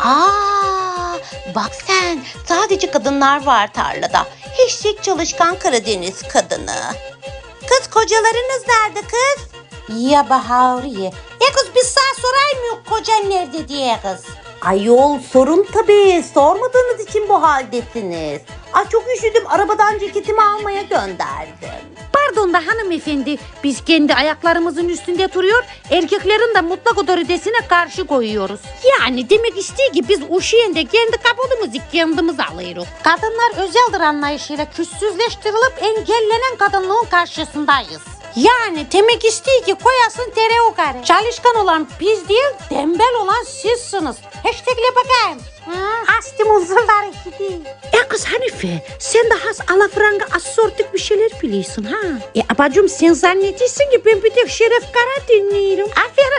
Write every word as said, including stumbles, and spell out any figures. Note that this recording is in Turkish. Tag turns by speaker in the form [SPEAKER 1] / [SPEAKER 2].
[SPEAKER 1] Aa, bak sen, sadece kadınlar var tarlada. Eşek çalışkan Karadeniz kadını. Kız, kocalarınız nerede kız? Ya Bahariye. E kız, biz sana sorayım mı kocan nerede diye kız. Ayol, sorun tabii. Sormadığınız için bu haldesiniz. Ay çok üşüdüm. Arabadan ceketimi almaya gönderdim.
[SPEAKER 2] Pardon da hanımefendi, biz kendi ayaklarımızın üstünde duruyor, erkeklerin de mutlak otoritesine karşı koyuyoruz. Yani demek istiyor ki biz uşuyende kendi kapımızı kendimiz alıyoruz. Kadınlar özeldir anlayışıyla küssüzleştirilip engellenen kadınlığın karşısındayız. Yani demek istiyor ki koyasın tere o kare. Çalışkan olan biz değil, tembel olan sizsiniz. Hashtagle bakayım. Astım huzurları gidiyor. E kız Hanife, sen de has alafranga asortik bir şeyler biliyorsun ha. E abacım, sen zannediyorsun ki ben bir tek Şeref Kara dinliyorum. Aferin